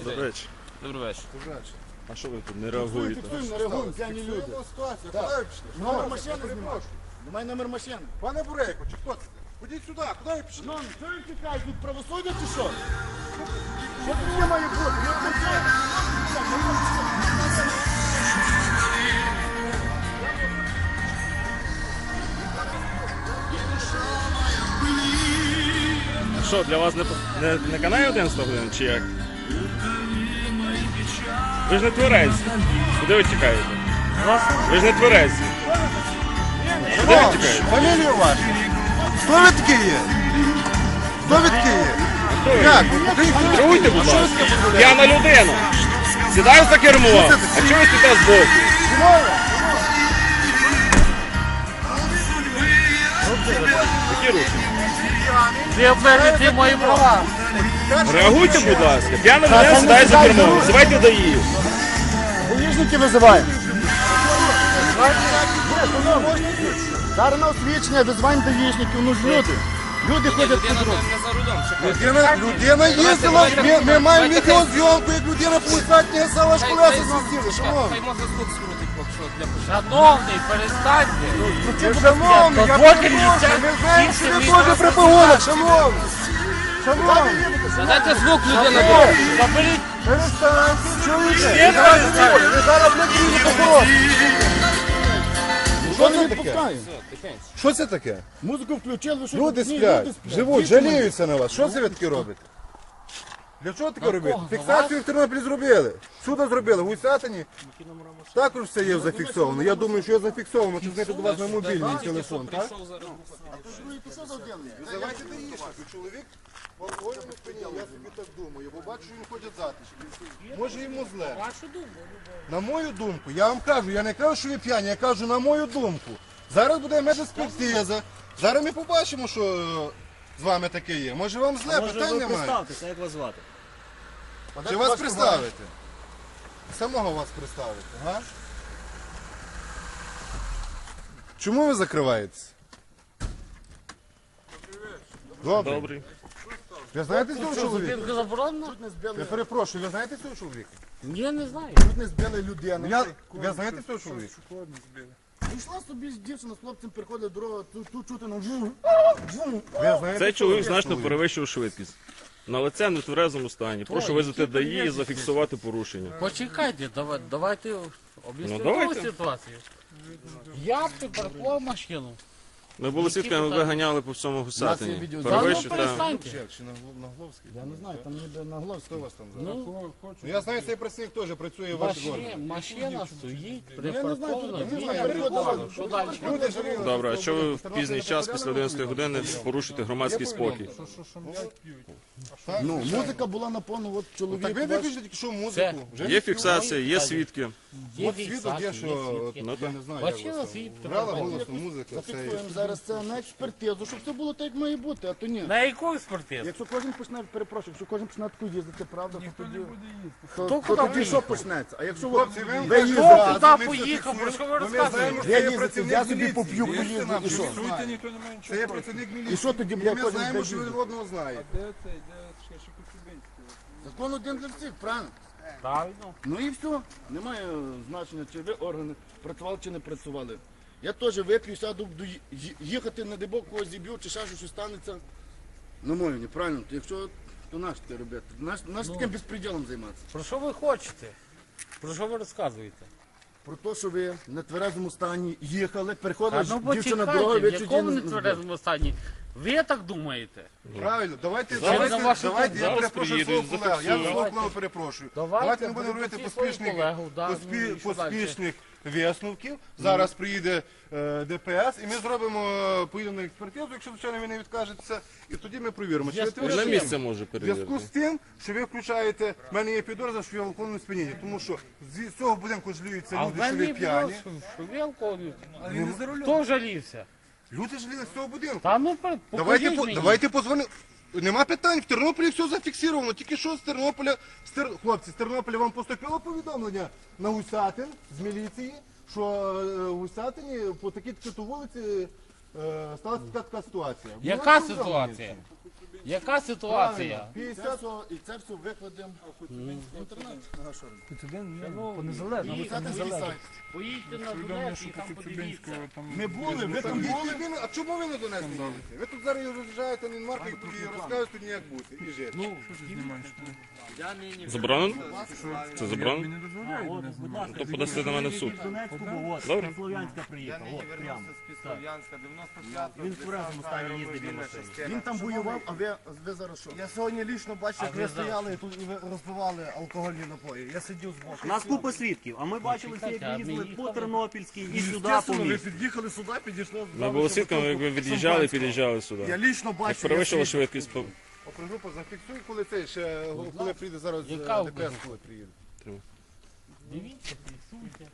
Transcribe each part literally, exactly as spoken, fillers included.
Добрий вечір. Добрий вечір. А що ви тут не реагуєте? Не реагуємо, п'яні люди. Куди пішли? Номер машини знімав. Немає номер машини. Пане Бурейко, чи хто це? Ходіть сюди, куди ви пішли? Ну, що ви тікаєте від правосуддя чи що? Що таке має бути? Я кричаю. А що, для вас не, не, не канає одинадцята година, чи як? Ви ж не тверезі. Куди ви тікаєте? Ви ж не тверезі. Куди ви тікаєте? Фамілію вашу. Хто ви такі є? Хто ви такі є? Як? Реагуйте, будь ласка. П'яна людина. Сідаю за кермо. А чого ви стоїте збоку? Які руки? Ви обмежуєте мої права. Реагуйте, будь ласка. П'яна людина сідає за кермо. Визивайте даї. Гаїшники визиваємо. Зараз на освічення визиваємо даїшників, ну ж люди. Люди ходять під руку. Людина, людина їздила, ми, ми маємо відеозйомку, як людина полицать не села школеса зустріли. Шановні. Хай мозок тут скрутить, якщо для початку. Шановний, перестаньте. Шановні, я Дозвольте перепрошую, мені ми знаємо, що ви більше теж при погонах, шановні. Шановні, Задайте звук, людина буде. Заберіть. перестаньте, чуєте? Ні, Ви зараз перестань. не- Ви зараз не будете прокурор. Що не відпускає? Що це таке? Музику включили, що Люди ні, сплять, люди сплять. живуть, Діти мої. жаліються на вас. Що це ви таке робите? Для чого таке робити? Фіксацію в Тернополі зробили. Сюди зробили, в Гусятині. Також все є зафіксовано. Я думаю, що є зафіксовано, чи знайти до вас на мобільний телефон, так? Визивайте даїшники, чоловік в алкогольному сп'янінні, я собі так думаю, бо бачу, що він ходить затишки. Може йому зле. На мою думку, я вам кажу, я не кажу, що ви п'яні, я кажу на мою думку. Зараз буде медекспертиза, зараз ми побачимо, що е, з вами таке є. Може вам зле, питань немає. Представтеся, як вас звати? Чи вас представити? Самого вас представити, га? Чому ви закриваєтесь? Добре. Добрий. Ви знаєте цього чоловіка? Зупинка заборонена? Я перепрошую, ви знаєте цього чоловіка? Ні, не знаю. Тут не збили людину. Я, ви знаєте цього чоловіка? Йшла собі дівчина з хлопцем, переходить дорогу, тут, тут чути на вжу. Ви знаєте Цей цього чоловік значно чоловіка? перевищив швидкість. На лице в нетверезому стані. Прошу визвати даї і зафіксувати порушення. Почекайте, давай, давайте Ну, об'яснимо давайте. ситуацію. Я припаркував машину. Ми були свідками, ви ганяли по всьому Гусятині. відео. Та ну Перевищив та... перестаньте. Чи на, Глов- на Гловській? Я не знаю, там ніде на глаз. Хто у вас там зараз? Ну, Ну, я знаю, цей працівник теж працює в вашій машина, органі. машина стоїть, Я не знаю, припаркована, я не він знаю, переходить. Що далі? Люди живі. Добре, а що ви в пізній час після одинадцятої години порушите громадський спокій? Ну, музика була на повну, от чоловік. Так ви ваш- виключите тільки що музику. Вже Є фіксація, є свідки. Є от свідок фіксація, є, що є от, свідки. Ну, я так. не знаю, як Бачила вас свій там. Грала телефон. голосно музика, все. Зафіксуємо зараз це на експертизу, щоб все було так, як має бути, а то ні. На яку експертизу? Якщо кожен почне, перепрошую, якщо кожен почне таку їздити, правда, то тоді, то, Хто то куди тоді поїде? що почнеться? А якщо ви, Хлопці, ви ви Хто їздите, туди поїхав? Про що ви Бо ми знаємо, розказуєте? що я це є їздити, працівник я собі міліції. поп'ю, Вірте поїду, нам, і що що? він знає. Це є працівник міліції. І що тоді, І бля, ми кожен знаємо, буде що він їздити? одного знає. Закон один для всіх, правильно? Правильно. Ну і все. Немає значення, чи ви органи працювали чи не працювали. Я теж вип'ю, сяду, буду ї- ї- їхати на дебок, когось зіб'ю, чи ще щось станеться. На мою, неправильно. То якщо, то наш таке робити. Наш, наш таким безпреділом займатися. Про що ви хочете? Про що ви розказуєте? Про те, що ви в нетверезому стані їхали, переходила А ну дівчина дорогу, почекайте, ви в чуть якому не- нетверезому стані? Ви так думаєте? Правильно, давайте, Зараз давайте, на вашу давайте, я думку. перепрошую Зараз свого колегу, я приїдуть, свого зафіксують. колегу перепрошую. Давайте, Давайте не будемо будемо робити всі свою поспішних, колегу, да, поспі- ну і що далі? поспішних висновків. Зараз приїде е, ДПС і ми зробимо, е, поїдемо на експертизу, якщо, звичайно, ви не відкажетеся, і тоді ми провіримо. Чи ви Зв'язку Ви на тверезі? місце може В зв'язку перевірити. з тим, що ви включаєте, в мене є підозра, що ви в алкогольному сп'янінні, тому що з цього будинку жаліються А в люди, що мене ви п'яні. що ви алкоголю? Хто жалівся? Люди жаліли з цього будинку. Та ну пер- Давайте, покажіть по, мені. давайте позвонимо. Нема питань, в Тернополі все зафіксировано. Тільки що з Тернополя, з Тер... хлопці, з Тернополя вам поступило повідомлення на Гусятин з міліції, що е, в Гусятині по такій такій вулиці е, сталася така така ситуація. Було Яка повідомлення? ситуація? Яка ситуація? п'ятдесят і це все викладемо в інтернет. По незалежному. п'ятдесят сайт. Поїдьте на Донець і там подивіться. Ми були, ви там були. Ви- А чому ви не до нас не їдете? Ви тут зараз роз'їжджаєте на інмарку і розказуєте тут ніяк бути. І жити. Я нині Заборонено? Це заборонено? Будь ласка, То подасте на мене в суд. з Донецького, от, Добре. з Слов'янська приїхав, от, прямо. Він в тверезому стані їздить на машині. Він там воював, а ви, ви зараз що? Я сьогодні лічно бачив, як ви стояли тут і ви розпивали алкогольні напої. Я сидів збоку. У нас купа свідків, а ми бачили всі, як ви їздили по Тернопільській і сюди по Ви місту. під'їхали сюди, підійшли. Ми були свідками, як ви від'їжджали і під'їжджали сюди. Я лічно Як бачив. перевищила швидкість. по- Опергрупа зафіксуй, коли це ще, коли прийде зараз е, Яка ДПС, коли приїде. дивіться, фіксуйте.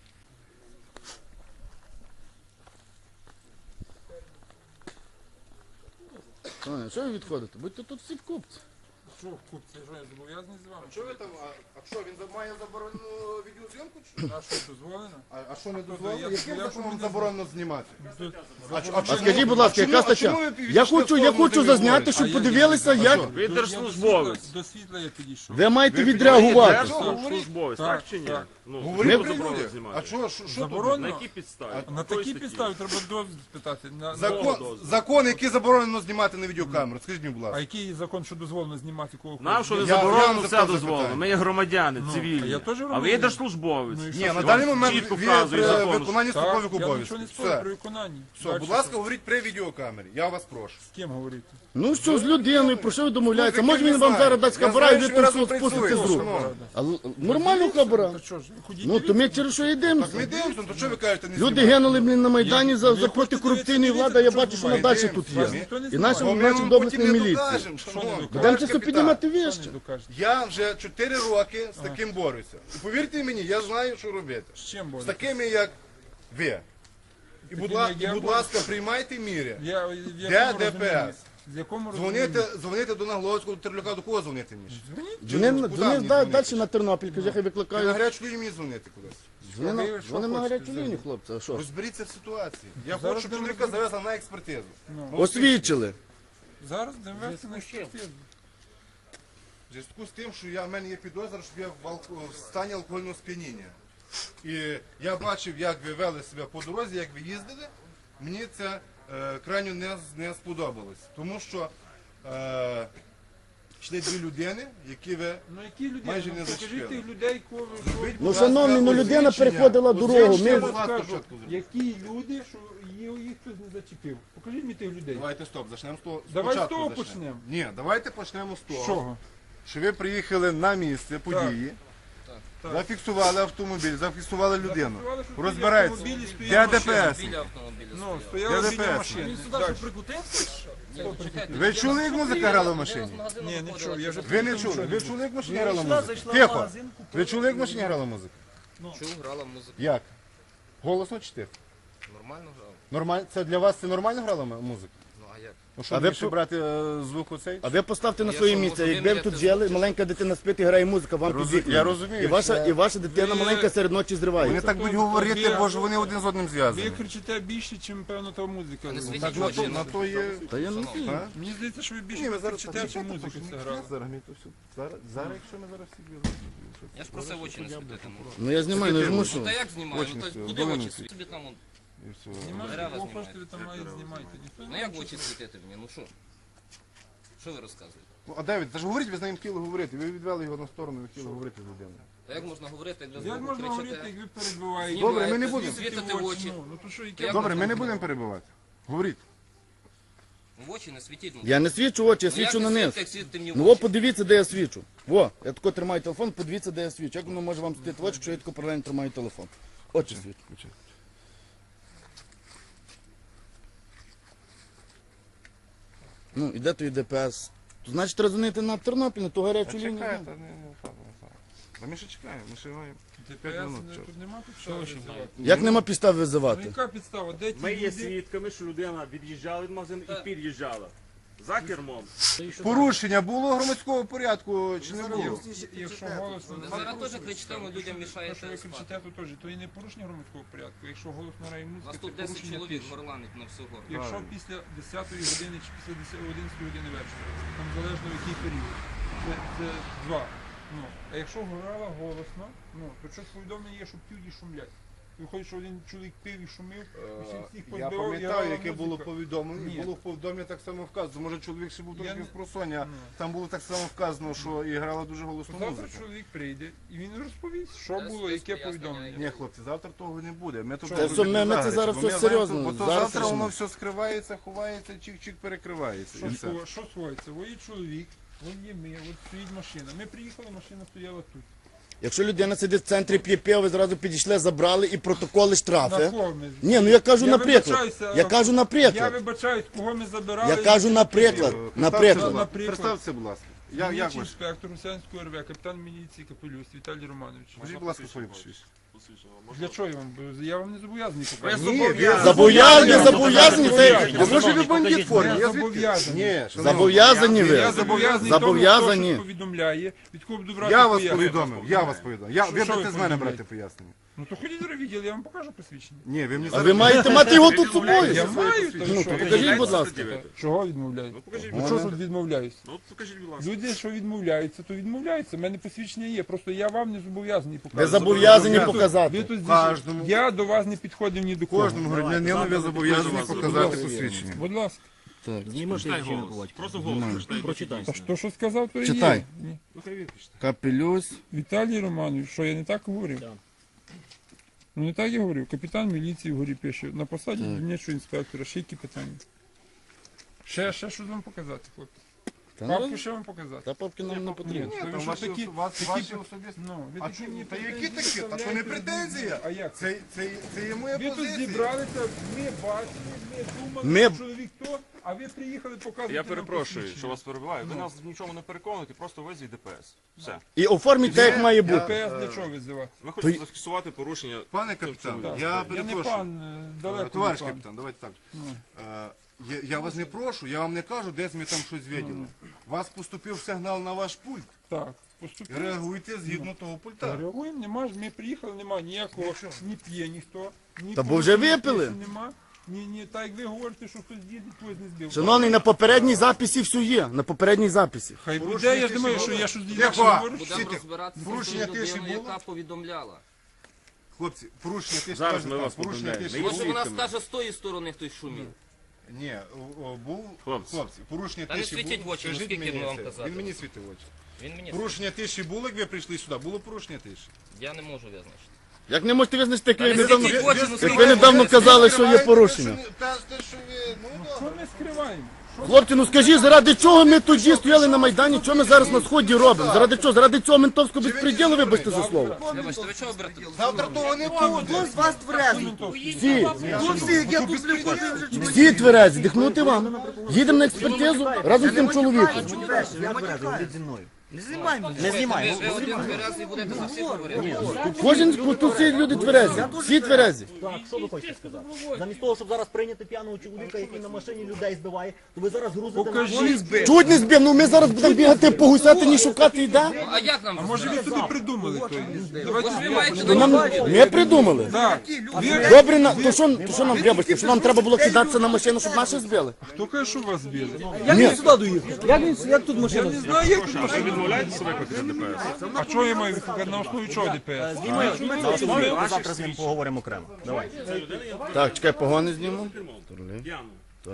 А, що ви відходите? Будьте тут всі купці. Що, купці, що я зобов'язаний з вами? Що ви там, а, а що, він за- має заборонену відеозйомку? чи що? А що, дозволено? А, а що не я- дозволено? я Яким ж законом не заборонено знімати? А, ч- А скажіть, будь ласка, яка стаття? Я хочу, я хочу зазняти, щоб подивилися, як Ви держслужбовець. До світла я підійшов. ви маєте відреагувати. Держслужбовець, так чи ні? так. Ну, Говори чому при заборонено людях. знімати? А що, що, що тут? На Заборонено? якій підставі? На Якої такій статті? підставі треба дозвіл спитати. На- Закон, закон, який заборонено знімати на відеокамеру. Скажіть мені, будь А ласка. який закон, що дозволено знімати кого Нам хочеш? що не Я- я заборонено, вам все запитав дозволено. запитання. Ми є громадяни, а цивільні. я теж А ви є громадянин. держслужбовець. Ну і Ні, що? на Вам даний момент чітко ви вказує при закон. виконанні Так, службових я обов'язків. нічого не спорю Все, при виконанні. все, Дальше будь ласка, що? говоріть при відеокамері. Я вас прошу. З ким говорити? Ну що з людиною, про що ви домовляєтеся? Ну, Може я він вам знаю. зараз дасть Я хабара і знаю, ви що ви разом просто спустите з працюєте, рук. шановні. А л- нормально хабара? Та що ж, ходіть Ну то дивіться. ми через що йдемо? Так ми дивимося, то що ви кажете, не Люди знімати? гинули, блін, на Майдані Я- за, ви за хочете протикорупційної дивитися, влади, а я що бачу, що вона відбувається? далі тут є. Вас ніхто не І знімає. наші, Бо ми наші вам доблесні потім не міліції. докажемо, Що не шановні. докажете? Будемо це все Капітан. піднімати Що вище. не докажете? Я вже чотири роки з таким борюся. І повірте мені, я знаю, що робити. З чим З боротися? такими, як ви. І, будь, такими, ла- як і, я будь борюся? ласка, приймайте міри. Я, в Де якому Д П розумінні? С? В якому розумінні? Дзвоните, дзвоните до Нагловського, до Терлюка, до кого дзвонити мені? Вони, Куди вони мені да- дзвонити? далі на Тернопіль, каже, хай Ти на викликають. гарячу лінію мені дзвонити кудись. Вони на, Ви що вони на хочете гарячу лінію, хлопці, а що? Розберіться в ситуації. Я Зараз хочу, щоб будемо чоловіка завезли на експертизу. Ну. Освідчили. Зараз дивимося на експертизу. В зв'язку з тим, що я, в мене є підозра, що я в, алко- в стані алкогольного сп'яніння. І я бачив, як ви вели себе по дорозі, як ви їздили. Мені це е, крайньо не, не сподобалось. Тому що е, йшли дві людини, які ви... Ну які людей? Майже Ну, не покажіть зачепили. тих людей, кого ви що. Зробіть, Ну, будь ласка, шановні, ну людина освідчення. переходила дорогу. Освідчення, Ми- будь ласка, Скажу, спочатку зробіть. які люди, що їх їх хтось не зачепив. Покажіть мені тих людей. Давайте стоп, почнемо з того. Давай з спочатку того почнемо. почнемо. Ні, давайте почнемо з того, З чого? що ви приїхали на місце події, Так. зафіксували автомобіль, зафіксували людину. Зафіксували, що Розбирається. біля автомобілі Де стояла Д П С? Ну, стояла Де біля ДПС? машини. Ви чули, як музика грала в машині? Ні, не чув, я вже Ви не чули? Ви чули, як в машині грала музика? Тихо. Ви чули, як в машині грала музика? Чув, грала музика. Як? Голосно чи тихо? Нормально грала. Нормально? Це для вас це нормально грала м- музика? Ну а як? Ну що, А ви більше по- брати е, звук оцей? А ви поставте на Я своє що, місце. можу Якби ви виміряти тут жили, маленька дитина спить і грає музика, вам Розу- під вікнами. я розумію, І ваша, що- і ваша дитина Ви- маленька серед ночі Вони зривається. так будуть говорити, бо ж вони один з одним Ви зв'язані. кричите більше, ніж, певно, та музика. не світіть Так на то, очі. на то є... Та я не знаю. А? Мені здається, що ви Ні, більше ми зараз кричите, ніж музика це грала. Зараз ми то все. Зараз, зараз, якщо ми зараз всі біжимо. Я ж просив очі не світити. ну. Ну я знімаю, не жму, що. Та як знімаю? Очі Ну то світили, куди долини очі світили. світити? Собі там, он, І все. Знімайте, Дерева кого знімають. хочете, ви там мають знімайте. Ніхто ну як в очі світити мені? Ну що? Що ви розказуєте? Ну, а Давид, та ж говоріть, ви з ним хотіли говорити. Ви відвели його на сторону, ви хотіли говорити з людиною. Та як можна говорити, як ви Як знову можна говорити, кричите? як ви перебиваєте? Добре, ми не Знімаєте, будемо. світите в очі. Ну, ну то що, яке Як Добре, ми можна не будемо говорити? перебивати. Говоріть. В очі не світіть. Ну, Я не свічу очі, я ну, як свічу ви на низ. світите, як світите мені в Ну, во, очі? подивіться, де я свічу. Во, я тако тримаю телефон, подивіться, де я свічу. Як воно може вам світити в очі, якщо я тако паралельно тримаю телефон? Очі свічу. Ну, і де то і Д П С? То, значить, треба дзвонити на Тернопіль, на ту гарячу лінію. Чекайте, не, не, так, не так. Та ми ще чекаємо, ми ще маємо. ДПС, минут, не- чого? тут нема підстави визивати. Як нема підстав Ну визивати? яка підстава? Де ті Ми є люди? свідками, що людина від'їжджала від магазину і під'їжджала. За кермом. Порушення було громадського порядку чи не було? Якщо голосно, Ви зараз теж кричите, ви людям те, що мішаєте ви спати. кричите, то теж, то і не порушення громадського порядку. Якщо голосно грає У музика, нас це тут десять порушення чоловік тиші. горланить на всього. Якщо після десятої години чи після одинадцятої години вечора, там залежно в який період, це, це два. Ну, а якщо грала голосно, ну, то щось повідомлення є, що п'ють і шумлять. Виходить, що один чоловік пив і шумів, усіх всіх Я позбивав, і пам'ятаю, грала яке було музика. повідомлення. Ні. Було в повідомленні так само вказано. Може чоловік ще був Я трохи не- в просоння. Ну. Там було так само вказано, що і грала дуже голосну Завтра музику. чоловік прийде і він розповість, що Дасть було, яке пояснення. повідомлення. Ні, хлопці, завтра того не буде. Ми тут Що? будемо Це все, ми- ми це заграти, зараз бо ми все знаємо, серйозно. Бо то Зараз завтра рішимо. воно все скривається, ховається, чик-чик перекривається. Що, І все. схо- що сховається? Во є чоловік, от є ми, от стоїть машина. Ми приїхали, машина стояла тут. Якщо людина сидить в центрі п'є пиво, ви зразу підійшли, забрали і протоколи На штрафи. кого ми? Ні, ну я кажу Я наприклад. вибачаюся, Я кажу Я наприклад. вибачаюсь, кого ми забирали. Я кажу наприклад. Представте, Наприклад. будь ласка. Наприклад. Представте, будь ласка. Я, як Дільничий ваш? інспектор Русянського РВ, капітан міліції Капелюс Віталій Романович. Скажіть, будь ласка, своє посвідчення. Для чого я вам? Я вам не зобов'язаний Ні, показати. ви Зобов'язані, зобов'язані. Це... А може ви бандит в формі? Я Я звідки? зобов'язаний. Ні, шановні. Зобов'язані Я ви. зобов'язаний Зобов'язані. тому, хто що повідомляє, від кого буду брати Я вас пояснення. повідомив, я вас повідомив. Я, Що- ви що ви будете з мене повідомляєте? брати пояснення. Ну то ходіть до відділ, я вам покажу посвідчення. Ні, ви мені А зараз... ви маєте мати його тут з собою. Я маю, то Ну, що? то покажіть, будь ласка. Чого відмовляю? Ну покажіть, Ну що ж тут відмовляюсь? ну покажіть, будь ласка. Люди, що відмовляються, то відмовляються. У мене посвідчення є. Просто я вам не зобов'язаний Ви показати. зобов'язані Ви тут- показати. ви тут здесь- Кожному. Я до вас не підходив ні до кого. Кожному громадянину ви зобов'язані показати Будь посвідчення. Будь ласка. Просто голос. Прочитай. Та що, що сказав, то і Читай. є. Ні. Капелюс. Віталій Романович, що я не так говорив? Ну не так я говорив. Капітан міліції вгорі пише. На посаді дільничого інспектора. Ще які питання? Ще, ще щось вам показати, хлопці? Та Папку ну, ще вам показати? та папки нам не потрібно. Ні, Там то ви що ваші такі, ос- вас- такі- ваші особисті- Ну, ви А такі чому? мені Та які претензії такі? Та то не виставляєте претензія. А як? Це, це, це є моя Ви тут позиція. зібралися, ми бачили, ми думали, Ми- що чоловік то, а ви приїхали показувати Я нам перепрошую, посвідчення. що вас перебиваю. Ви нас в нічому не переконуєте, просто визвіть ДПС. Все. І оформіть так, як має бути. ДПС для чого визивати? Ми хочемо зафіксувати порушення. Пане капітан, Так. я Я не перепрошую. пан, е, далеко Товариш не пан. капітан, давайте так. Е, Я, я вас не прошу, я вам не кажу, десь ми там щось виділи. Вас поступив сигнал на ваш пульт. Так, поступили. Реагуйте згідно того пульта. Реагуємо, нема ж, ми приїхали, нема ніякого, ні п'є ніхто, ні Та бо вже порушення випили. тиші Нема, ні, ні, так як ви говорите, що хтось їде, хтось не збив. Шановний, на попередній записі все є. На попередній записі. Хай буде, Порушення я ж думаю, тиші що було? я щось Тихо! інакше говорю. Будемо Всі- розбиратися з порушення тою тиші людиною, було? яка повідомляла. Хлопці, порушення тиші. Зараз кажуть ми так, вас порушення повідомляємо. тиші Ми було? Може вона свідками. скаже з тої сторони хтось шумів. Ні, о, о, був Хлопці. хлопці, порушення Та не тиші світіть в було. очі, ну, Скажіть скільки мені ми вам це. казати? Він мені світив в очі. Він мені Порушення тиші було, як ви прийшли сюди? Було порушення тиші? я не можу визначити. Як не можете визначити, як Та ви не недавно, світіть в очі, ну як скільки ви недавно можна? казали, що є порушення. Та те, що ви, ну Що добре. ми скриваємо? Що Хлопці, ну скажіть, заради чого ми тоді стояли на Майдані, що ми зараз на сході робимо? Заради чого? Заради цього ментовського безпреділу, вибачте за слово. Вибачте, ви чого берете? Завтра того не буде. З вас тверезий. Всі, Ну всі, як я тут приходив вже чоловік. всі тверезі, дихнути вам. Їдемо на експертизу разом з тим чоловіком. Я матюкаю. зі мною. Не знімай мене. Не Ви, знімай. ви один тверезий будете за всіх говорити. Кожен, тут всі люди тверезі, всі тверезі. Так, що ви хочете сказати? Замість того, щоб зараз прийняти п'яного чоловіка, який на машині людей збиває, то ви зараз грузите Покажіть. Чуть не збив, ну ми зараз будемо бігати по гусятині шукати йде. А як нам? А може ви собі придумали то? Давайте Ви маєте То нам, ми придумали. Так, ви, Добре, на- то що, то що нам вибачте, що нам треба було кидатися на машину, щоб наші збили? хто каже, що вас збили? Як він сюди доїхав? Як він, як тут Я машина? не знаю, як тут А що відмовляєтеся викликати ДПС? А чого я маю викликати? На основі чого ДПС? На основі ми завтра з ним поговоримо окремо. Давай. Так, чекай, погони зніму. П'яно.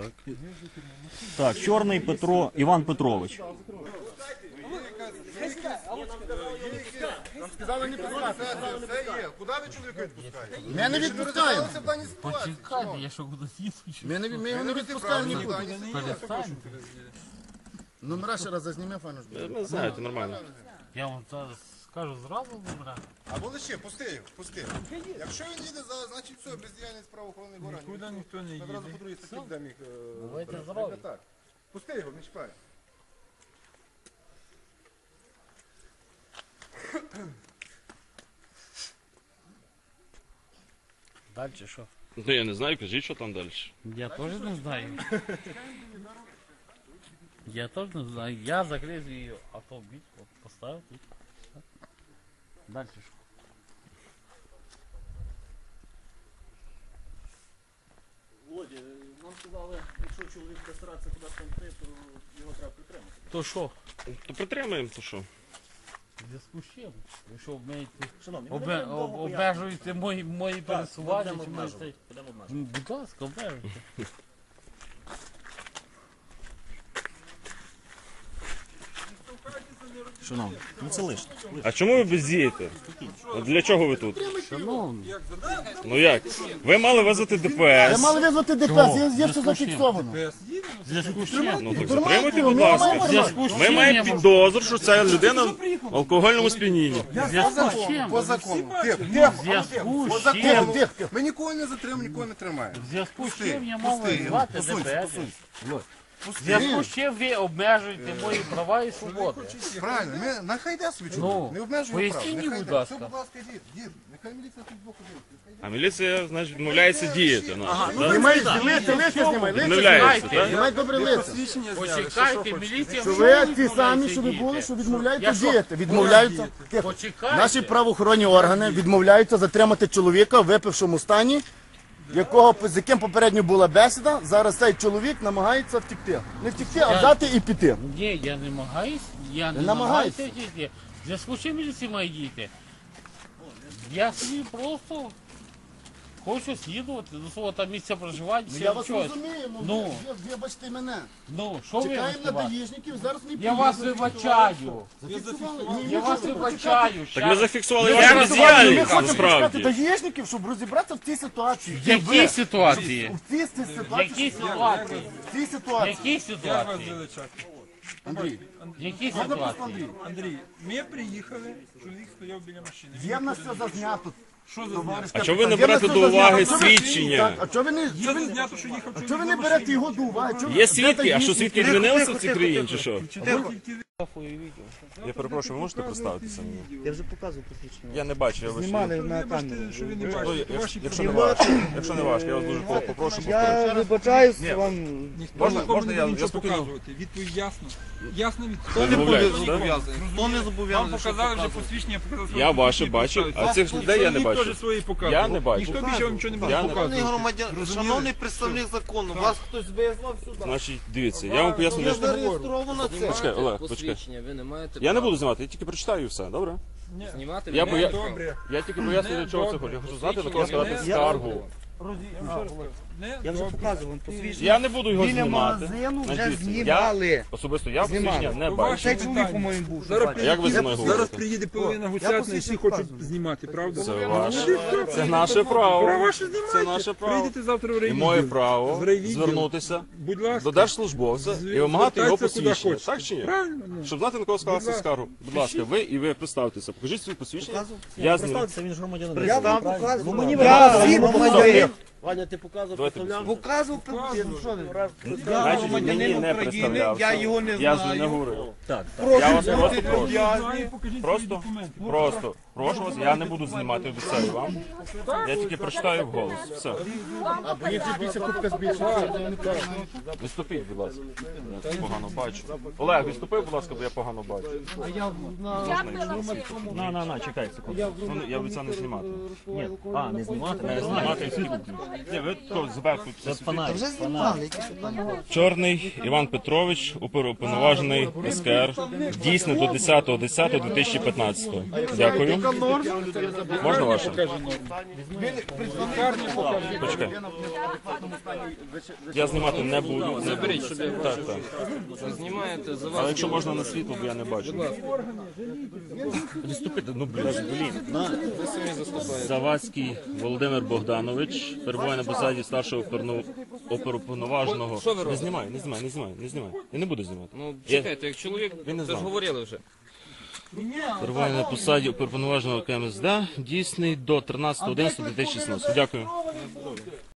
Так, Чорний Петро, Іван Петрович. Сказали не пускати. Це є. Куди ви чоловіка відпускаєте? Ми не відпускаємо. Це в даній ситуації. Я що буду їсти? Ми, не, ми його не відпускаємо нікуди. Перестань. Номера ще раз зазніми, фану. Ви знаєте, нормально. Я вам зараз скажу зразу, добре. Або лише, пусти його, пусти. Якщо він їде, за- значить все, бездіяльність правоохоронних органів. Нікуди ніхто не їде. Одразу по другій статті будемо їх... е, Давайте брати. зразу. Так. Пусти його, не чіпай. Далі що? Ну я не знаю, кажіть, що там далі. Я теж не знаю. Я теж не знаю. Я закрив її автомобіль, от, поставив тут. Далі що? Володя, нам сказали, якщо чоловік буде старатися кудись там йти, то його треба підтримати. То що? То притримаємо, то що? В зв'язку з чим? Якщо обмежуєте, Шановні, ми обе, не будемо об- довго обмежуєте мої, мої пересування, будемо чи обмежувати. можете... Будемо обмежувати. Ну, будь ласка, обмежуйте. Шановні, ну це лишнє. А чому ви бездієте? От для чого ви тут? Шановні, Ну як? Ви мали визвати Ви ДПС. мали визвати ДПС, є, є все зафіксовано. в зв'язку з чим? Ну так Тримайте затримуйте, його, будь ми ласка. маємо В зв'язку з Ми чим маємо я можу- підозру, що ця людина в алкогольному сп'янінні. В зв'язку з чим? По закону. Тихо, В тихо. зв'язку По з чим? закону. Тихо, тихо. Ми нікого не затримуємо, нікого не тримаємо. В зв'язку з Пусти, чим я можу пусти, звати посунься, ДПС? посунься. В зв'язку з чим ви обмежуєте мої права і свободи? Правильно, ми, нехай йде собі Ну, чоловік, не обмежуємо прав. поясніть мені, Нехай будь йде. ласка. Все, будь ласка, дід, дід, нехай міліція тут боку дивиться. А міліція, значить, відмовляється діяти. наша, так? Знімай, листя, листя знімай, листя Відмовляється, знімай. так? Знімай добре листя. Почекайте, міліція Що вже ви ті відмовляється самі, що ви діяти. були, що відмовляються Я що? діяти. Відмовляються. Тихо. Почекайте. Наші правоохоронні органи відмовляються затримати чоловіка в випившому стані, якого, з яким попередньо була бесіда. Зараз цей чоловік намагається втекти. Не втекти, а взяти і піти. Ні, я не намагаюсь, я не Не намагаюся намагайся. діяти. В зв'язку з чим міліція має діяти? Я собі просто хочу слідувати до свого там місця проживання. Ну, чи я вас щось. розумію, ну, Ну. ви- вибачте мене. Ну, що ви Чекаємо на виступаєте? даїжників, зараз не Я вас вибачаю. Я вас вибачаю. Так ми зафіксували Я вашу раз- Ми бездіяльність, хочемо почекати насправді. даїжників, щоб розібратися в цій ситуації. В якій ситуації? В цій В ситуації. якій ситуації? В цій В ситуації. якій Як вас ситуації? величати? Андрій, В якій ситуації? Андрій, ми приїхали, чоловік стояв біля машини. є в нас все зазнято. Що за знято? А чого ви не Є в нас берете все до зазнято. уваги А чого ви- свідчення? Так, А чого ви не... Це не знято, що їхав А чоловік чого ви на не берете машині. його до уваги? Чого- Є де свідки, а що даїжники? свідки змінилися в цій країні чи що? Тихо. Я перепрошую, ви можете представитися мені? Я вже показував посвідчення. Я не бачу, я Знімали на Вибачте, камеру. що ви не Ну, бачите, якщо- то ваші Якщо не проблеми. важко, якщо не важко, я вас дуже попрошу повторити. Я вибачаюсь вам. Ніхто Можна- нікому можна не я- буде я нічого спокійно? показувати. Відповідь ясна. Ясна відповідь. Ви відмовляєтесь, так? Хто не Вам зобов'язаний, що показали вже показувати? посвідчення, я показав своє Я ваше посвідчення, бачу, представився. а цих людей я не Чоловік бачу. теж свої показував. Я не бачу. Ніхто більше вам нічого не буде Я не- Шановний показувати. громадян, Розуміли? шановний представник закону, вас хтось визвав сюди. Значить, дивіться, я вам поясню. Я для- зареєстровано це. Почекай, Олег, почекай. Посвідчення, ви не маєте Я не права буду знімати, я тільки прочитаю і все, добре? знімати. Я ви поя- не маєте Добре. Я тільки поясню, для чого це Добре. хочу. Я хочу знати, на кого складати Я- скаргу. Не? Я вже Добре. показував вам посвідчення. Я не буду його Біля знімати. магазину вже Значить, знімали. Я, особисто я Знімали. посвідчення не То бачу. ваші Цей чоловік, питання. по-моєму, був. Зараз що Як ви зі приїде- мною Зараз говорите? приїде половина гусятна і всі посвідчення хочуть показую. знімати, правда? Це Ну, ваше, ну, ну, це наше право. Права ж Це знімайте. наше право. Прийдете завтра в І райвідділ. моє право В райвідділ. звернутися Будь ласка. до держслужбовця Зві- і вимагати його звертайтеся куди посвідчення. хочете. Так чи ні? Правильно? ну. Щоб знати, на кого скласти Будь ласка. скаргу. Будь ласка, ви і ви представтеся. Покажіть свої посвідчення. Я зніму. Представтеся, він ж громадянин. Я вам Правильно? показував. Ну, мені Я ви всім показали. громадянин. Ваня, ти показував, Давайте представляв? Показував, ну що ви? Я Значить, мені громадянин не України, представлявся. я його не Я ж не знаю. говорив. Так. Я вас просто бути прошу. люб'язні. Покажіть свої Просто, документи. просто, прошу вас, я не буду знімати, обіцяю вам. Я тільки прочитаю вголос. Все. Мені ці більше кубка збільшується. Відступіть, будь ласка. Я погано бачу. Олег, відступи, будь ласка, бо я погано бачу. На, на, на, чекай секунду. Ну, я обіцяю не знімати. Ні, а, не знімати? Не знімати і скільки. Ні, ви то зверху. Це фонарик. Вже знімали, які питання. Чорний Іван Петрович, уповноважений ес ка ер, дійсно до десятого десятого дві тисячі п'ятнадцятого. Дякую. Можна ваше? Почекай. Я знімати не буду. Заберіть, щоб я Так, так. Ви знімаєте за Але вас. якщо можна на світло, бо я не бачу. Відступити, ну блін, блін. Ви самі заступаєте. Завадський Володимир Богданович перебуває на посаді старшого оперну- оперуповноваженого. Що ви Не робите? знімай, не знімай, не знімай, не знімай. Я не буду знімати. Ну, Я- чекайте, як чоловік, Він не це ж знав. говорили вже. Перебуває на посаді оперуповноваженого ка ем ес де, дійсний до тринадцятого одинадцятого дві тисячі шістнадцятого. Дякую.